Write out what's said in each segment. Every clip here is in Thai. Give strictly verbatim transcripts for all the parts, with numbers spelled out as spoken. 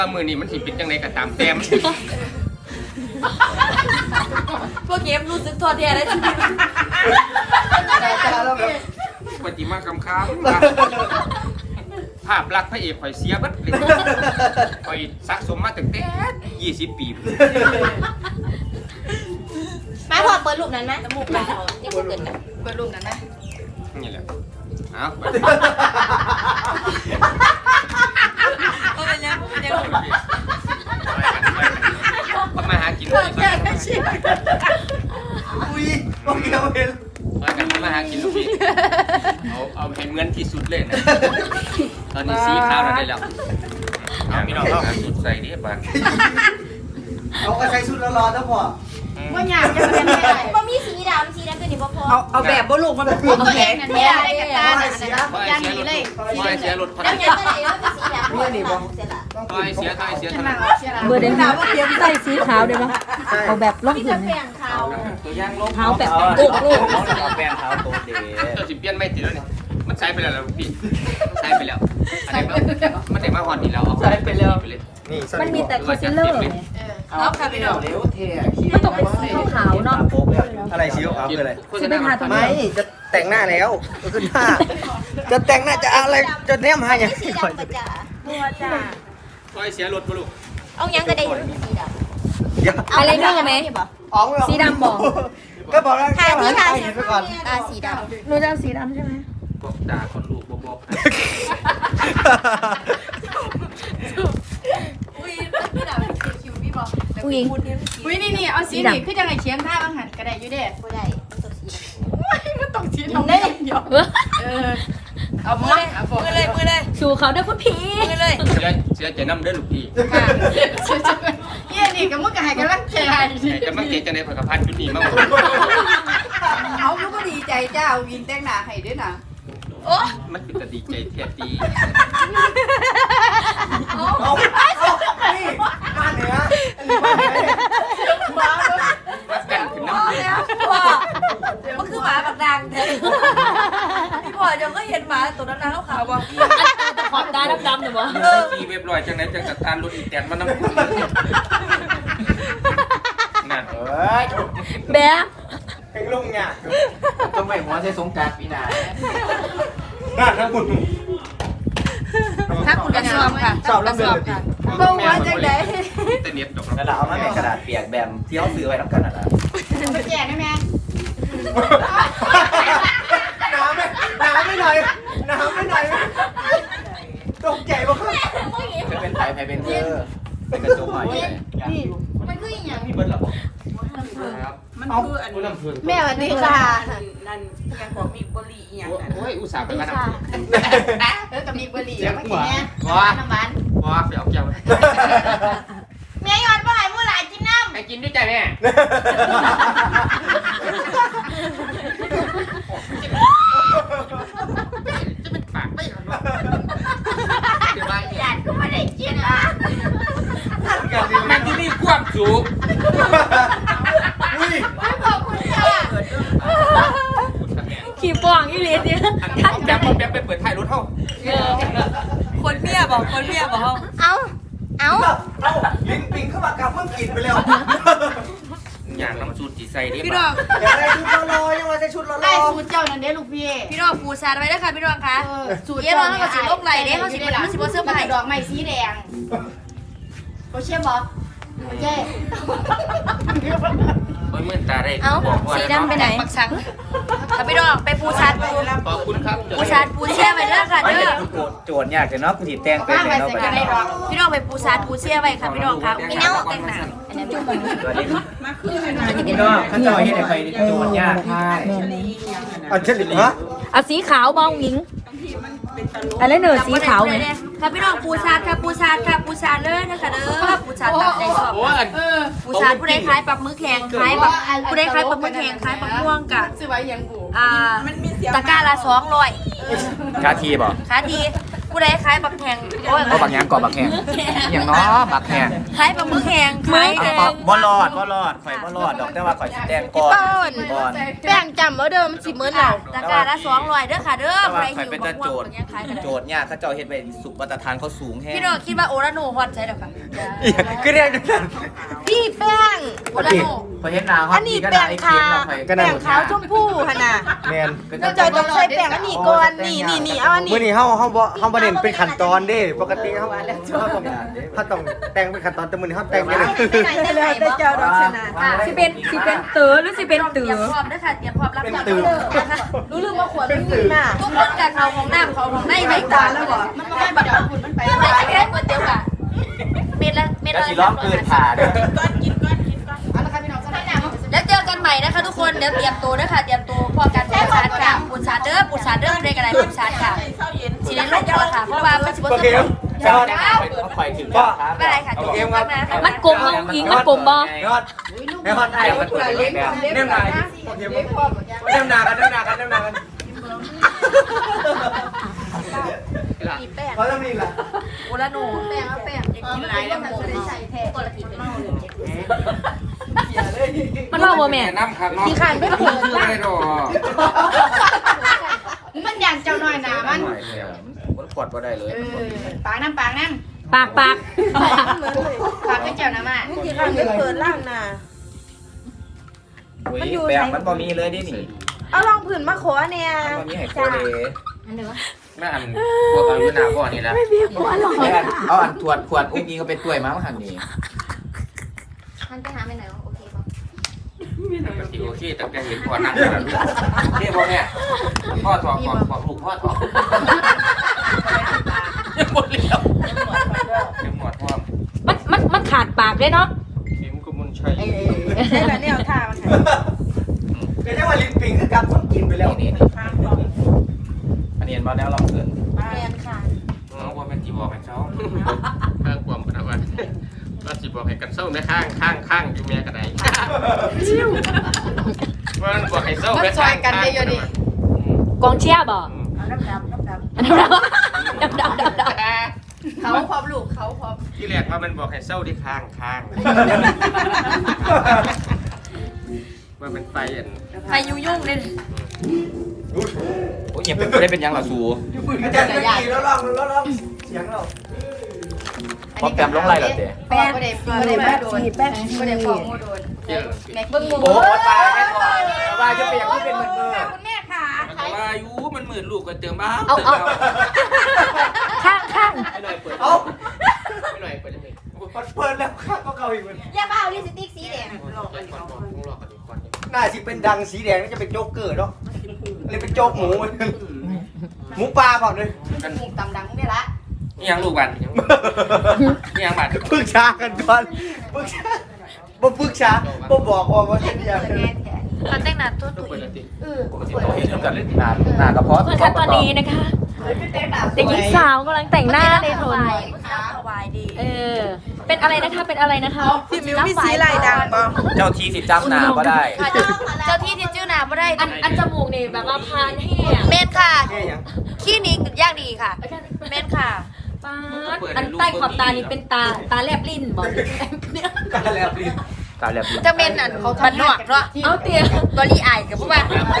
มือนี่มันสิเป็นจังไดก็ตามแต้มพวกเกมรู้สึกทอดแท้ได้ชีวิตปฏิมากรรมค้าภาพลักษณ์พระเอกข่อยเสียบัดเลยข่อยสะสมมาตั้งแต่ยี่สิบปีมาพอเปิดรูปนั้นนะจมูกเราที่กูเกิดกันเปิดรูปนั้นนะนี่แหละเอาก็เป็นยังเป็นยังก็มาหากินทอดแท้ได้ชีวิตอุ้ยโอเคโอเคมากันมาหากินลูกพี่เอาเอาให้เหมือนที่สุดเลยนะตอนนี้สีขาวเราได้แล้วเอาพี่น้องเอาสุดใส่ดิบ้านเอาใส่ชุดร้อนๆนะพ่อว่าอยากจะเป็นไม่ได้ว่ามีสีดำสีดำตัวนี้พอพอเอาเอาแบบบ่ลูกมันแบบผมแข็งไม่ได้กันตาย่างนี้เลยไม่เสียรถพันแล้วเห็นอะไรว่าเป็นสีดำนี่นี่บ่เสร็จละไม่เสียไม่เสียทำไมเบอร์เดนว่าเตรียมใส่สีขาวได้ปะเอาแบบล่องพี่หิจะนแบ่งเขาตัวย่างลบเท้าแบบโอ้โหเอาแป้งเท้าโตเด๋ตัวสิเปลี่ยนไม่ติดแล้วเนี่ยมันใช้ไปแล้วลูกพี่ใช้ไปแล้วอันนี้มันได้มาหอนนี่แล้วเอาใช้ไปแล้วไปเลยนี่มันมีแต่คอนซีลเลอร์เอาค่ะพี่น้องเร็วเท่มันต้องเป็นสีขาวเนาะอะไรสีขาวคืออะไรจะไปทาตัวไหนไม่จะแต่งหน้าแล้วก็ขึ้นหน้าจะแต่งหน้าจะอะไรจะแนมหาอย่างสีนี้ดำก่อนก็จะบัวจ้าคอยเสียรถปะลูกเอายังก็ได้สีดำเดี๋ยวอะไรเรื่องไหมอ๋องสีดำบอกก็บอกแล้วทาแค่ที่หันทาไปเห็นไปก่อนตาสีดำหนูจะเอาสีดำใช่ไหมบอกด่าคนลูกบอกบอกอุ้ยพี่ดำคิวพี่บอกอุ้ยอุ้ยนี่นี่เอาสีนี่คือจังไงเขียนท่าบางหันก็ได้อยู่เด้ไม่ได้ตัวสีมันต้องสีทำได้เดียวเออเอามือเลยเอามือเลยมือเลยสู่เขาด้วยคุณผีมือเลยเสียเสียใจน้ำเด้อลูกพี่ค่ะเยี่ยนี่ก็มึงก็ให้กำลังใจแต่จะมาเกจะในผักกะพันจุดนี้มั้งเอาลูกก็ดีใจเจ้าวินแต่งหน้าให้ด้วยนะโอ้มันเป็นตดีใจแท้ตีเอาเอานี่บ้านเหนืออันนี้บ้านเหนือรักกันคือน้ำเดือดพ่อมันคือหมาแบบดังเลยพี่พ่อยังก็เห็นหมาตัวนั้นนะขาวบอกขอบตาดำๆหรือเปล่าขี่เว็บลอยจังไหนจังสตาร์รถอีแตนมันน้ำคุณนั่นเฮ้ยแบ๊ะเพลงลุงเนี่ยต้องไปหัวใช้สงการปีหน้าน่าทั้งคุณถ้าคุณจะสอบค่ะสอบแล้วเดินเลยดิบ่ว่าจังได๋แต่เน็ตดอกกระดาษเอามาในกระดาษเปียกแบมที่เขาซื้อไว้ทั้งกันอ่ะไปแจกได้ไหมน้ำไม่น้ำไม่หน่อยน้ำไม่หน่อยตกใจมากเป็นไผ่ไผ่เป็นเธอเป็นกระจกใหม่เลยมันคืออย่างมีเบิร์ดหรอครับมันคืออันน้ำเพื่อนแม่สวัสดีค่ะนั่นยังของมีบริอีกอย่างนั้นโอ้ยอุตส่าห์ไปมาน้ำเพื่อนเออกับมีบุหรี่แล้วมากินเนี่ยว้าน้ำมันว้าไปเอาแก้วแม่ยอดบ่ให้มู่หลายกินน้ำไปกินด้วยใจแม่จะเป็นปากไม่หรอเดี๋ยวไปหลานก็ไม่ได้กินอ่ะมันที่นี่ความสุขอุ้ยไม่ขอบคุณค่ะขี่ป่องอีเลสเนี่ยท่านจำมันแบบไปเปิดท้ายรถเท่าคนเมียบอกคนเมียบอกเอาเอาเอ้าลิ้นปิงเข้ามากำเพิ่งกินไปแล้วอย่างน้ำสูตรจีใส่ดิพี่น้องอยากได้ชุดรอๆยังมาใส่ชุดรอไอ้สูตรเจ้านั่นเด้ลูกพี่พี่น้องปูซาไว้ด้วยค่ะพี่น้องคะสูตรเยี่ยมเขาสิลกไหลเด้เขาสิมันสิบ่เสื้อผ้าดอกไม้สีแดงโอเช่บอโอเช่โอ้ยเมื่อตาได้เอ้าสีดำไปไหนปักสังค่ะพี่น้องไปปูซาปูขอบคุณครับปูซาปูเชี่ยไว้ด้วยค่ะไม่เด้เห็อนโจทย์โจทย์ยากแต่เนาะกูถีบแตงเป็นเลยเนาะไปกันพี่น้องไปปูซาปูเชี่ยไว้ค่ะพี่น้องคะมีเน่าแต่งหน้าอันนี้จุ๊บสวัสดีครับมาคือให้หน่อยพี่น้องข้าจอยให้ใครโจทย์ยากใช่นี่ยังไงนะอันเช่นฮะเอาสีขาวมองหญิงบางทีมันเป็นตลกอะไรเนอสีขาวไหมค่ะพี่น้องปูซาค่ะปูซาค่ะปูซาเลยนะคะเด้อปูซาตัดใจชอบโอ้ยเออปูซาผู้ใดคล้ายปักมือแข็งคล้ายแบบผู้ใดคล้ายปักมือแข็งคล้ายปักม่วงกะซื้อไว้ยังบูอ่ามันมีเสียงตะกร้าละสองร้อยคาทีบอกขาทีผู้ใดขายบักแหงโอ้ยก็บางอย่างก่อบักแห้งอย่างน้อบักแห้งขายบักมือแหงขายแหงบ่รอดบ่รอดข่อยบ่รอดดอกแต่ว่าข่อยสิแดงก่อนก่อนแป้งจำว่าเดิมสิมื้อเราตะกร้าละสองร้อยเด้อค่ะเด้อแต่ใคว่าร ข่อยหิวเป็นบัแต่กโจม่วทงย์ยังขายกันโจทย์เนี่ยเขาเจ้าเฮ็ดไปสุขมาตรฐานเขาสูงแฮงพี่โดคิดว่าโอราโนฮอตใช่หรอคะคือเรียกจังซั่นพี่แป้งโอราโนข่อยเห็นหน้าฮออัตนนี้ก็แป้ได้งไอ้ขาวเค็มแล้วข่อยแป้งขาวชมพูหั่นน่ะแม่นเราจอยต้องใช้แป้งอันนี้ก่อนนี่นี่นี่เอาอันนี้มื่อนี้เฮาเฮาบ่เฮาบ่เน้นเป็นขั้นตอนเด้ปกติเฮาเฮาต้องเฮาต้องแต่งเป็นขั้นตอนแต่มื้อนี้เฮาแต่งไปเลยแล้วแต่เจ้าดอกชนะสิเป็นสิเป็นเต๋อหรือสิเป็นเต๋เตรียอมพร้อมด้วยค่ะเตรียมพร้อมรับเป็นจากตื่นนะคะรู้ลืมว่าขวดมันมีน่ะทุกคนกับเขาของน้ำเขาของในไม่ตาแล้วบ่มันบ่ได้บัดดอกคุณมันไปไม่ใช่แค่ก๋วยเตี๋ยวกะเม็ดละเม็ดแล้วละสิร้องเกินผ่าเด้อก้อนกินก้อนกินก้อนเอาละค่ะพี่น้องสบายใจแล้วเจอกันใหม่นะคะทุกคนเดี๋ยวเตรียมตัวด้วยค่ะเตรียมตัวพอการปูชาร์จค่ะปูชาร์จเด้อปูชาร์จเด้อเรียกอะไรปูชาร์จค่ะเช้าเย็นสีเล่นลูกก่อนค่ะเพราะว่ามันสิบโอเคครับเจ้าได้ข่อยถึงแล้วครับไม่เป็นไรค่ะจบกันนะมันกลมเอาอิงมันกลมบ่ยอดแม่ฮอดไอ้มันเปิดเล่นเล่นหน้าโอเคบ่เล่นหน้ากันเล่นหน้ากันเล่นหน้ากันมีแป้งเขาจะมีล่ะโอลาโนแป้งเอาแป้งกินหลายแล้วมันจะได้ใส่แท้คนละทีเป็นเมาเลยมันว่าบ่แม่น้ำครับน้องขี้ขานไม่เปิดละไม่รอมันอย่างเจ้าน้อยหนามันมันขวดบ่ได้เลยเออปากน้ำปากน้ปากปากำปากให้เจ้าน้ำอ่ะขี้ขานไม่เปิดล่างน่ะอุ้ยแป้งมันบ่มีเลยดินี่เอาลองผื่นมาขอเนี่ยมันบ่มีให้โคเดแม่อันพวกเราอยู่หน้าบ่อนี่แหละแม่เอาอันถวดขวดอุ้งอิงก็เป็นถ้วยมาหั่นนี่ท่านไปหาไปไหนโอเคป่ะปกติโอเคแต่แกเห็นพ่อนั่งแล้วนี่พ่อแม่พ่อถอดก่อนพ่อลูกพ่อถอดยังหมดแล้วยังหมดพ่อมันมันมันขาดปากด้วยเนาะเข็มกุมุนชัยได้แล้วเนี่ยเอาท่ามันเดี๋ยวจะว่าลิ้นปิงคือกับต้องกินไปแล้วนี่นี่อันนี้เห็นบ่แล้วลองเกินเรียนค่ะน้องว่าเป็นจีบอกให้เขาข้างความพนักงานก็จีบอกให้กันเศร้าแม่ข้างข้างข้างอยู่แม่กันไหนว่ามันบอกให้เศร้าแม่ข้างข้างกองเชียร์บ่น้ำดำน้ำดำอันนั้นดำดำดำดำเขาพร้อมลูกเขาพร้อมที่แรกว่ามันบอกให้เศร้าที่ข้างข้างว่าเป็นไฟอันใครยุ่งยุ่งเลยโอ้ยยังเป็นบ่ได้เป็นหยังล่ะสูอาจารย์จะกี่แล้วลองแล้วลองเสียงเราพอแกมลงไล่แล้วเด้แป้งไม่ได้ไม่ได้แป้งโดนแป้งไม่ได้ฟองโดนเที่ยวแม็กเบิ้งหมูโอ้ตายแม่ก่อนว่าจะเป็นอย่างที่เป็นเหมือนเมื่อคุณแม่ค่ะมันก็ว่าอยู่มันมืดลูกก็เติมบ้าเอาเอาข้างข้างไม่หน่อยเปิดเอาไม่หน่อยเปิดยังไงเปิดแล้วข้าก็เก่าอีกมันอย่ามาเอาลิปสติกสีแดงหลอกกันก่อนต้องหลอกกันก่อนหน้าสิเป็นดังสีแดงน่าจะเป็นโจ๊กเกอร์เนาะเลยเป็นโจ๊กหมูหมูปลาเปล่าเลยหมูตำดังนี่ละนี่ยังลูกบันนี่ยังบันปรึกษากันก่อนปรึกษาบ่ปรึกษาบ่บอกว่าว่าจะอยากเขาแต่งหน้าตัวต้องตุ๋เปิดยแล้วติเออปกติเราเห็นกันเลยหน้าหน้ากระเพาะเพื่อนคะตอนนี้นะคะเด็กหญิงสาวกำลังแต่งหน้าในโทนสบายดีเออ เป็นอะไรนะคะเป็นอะไรนะคะพี่มิวมีสีลายดังบ่เจ้าทีสิจำหน้าก็ได้ค่ะเจ้าเจ้าที่ที่ชื่อนาไม่ได้อันอันจมูกนี่แบบว่าพานแห้งเมนค่ะแค่ยังขี้นี้ย่างดีค่ะเมนค่ะป้าดอันใต้ขอบตานี่เป็นตาตาแลบลิ้นบอกเนี่ยตาแล้วลิ้นตาแลบลิ้นจะเมนอ่ะบันนอกเนาะเอาเตียบอลี่อายกับพวกมัน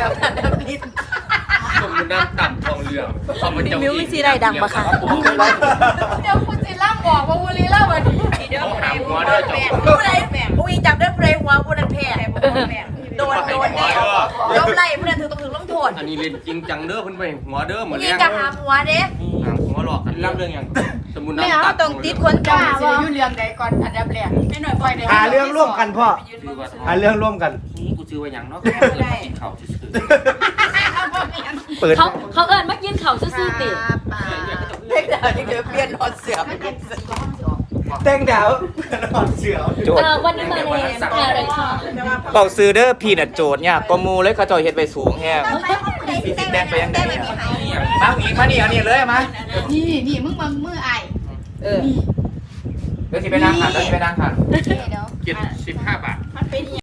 สมมุติน้ำต่ำทองเหลืองพี่มิวมีสีอะไรดังปะคะเดี๋ยวคุณจิล่ามบอกว่าวุลีเล่าวันนี้เดี๋ยวหาหัวเด้อจบผู้ใดผู้อีจับได้ผู้ใดหัวผู้นั้นแพ้โดนโดนแน่ยกไล่ผู้นั้นถือต้องถือต้องโทษอันนี้เล่นจริงจังเด้อเพิ่นไปหัวเด้อเหมือนยิเลี้งยงกะหาหัวเด้หาหัวหลอกกันรับเรื่องยังสมุนไม่น้ำเอาตัดต้องติดคนจ้าว่าอยู่เรื่องใดก่อนอันดับแรกไม่หน่อยปล่อยได้หาเรื่องร่วมกันพ่อหาเรื่องร่วมกันกูซื้อไว้ยังเนาะเขาซื้อเปิดเขาเขาเอิญมากินเขาวซื่อๆติเด็กดาวนี่เดี๋ยวเปลี่ยนหอดเสือไปเป็นสีแต่งดาวหอดเสือโจทเอย์อวันนี้มาในอะไรค่ะเป่าซื้อเด้อพี่น่ะโจทย์เนี่ยก็มูเลยเขาเจ้าเฮ็ดไปสูงแฮงพี่สิแดงไปยังไงมาหนีมานี่เอานี่เลยมานี่นี่มึงมามือไอเดี๋ยวสิไปนั่งขันเดี๋ยวสิไปนั่งขันเดี๋ยวเจ็ดสิบห้าบาทมันเป็น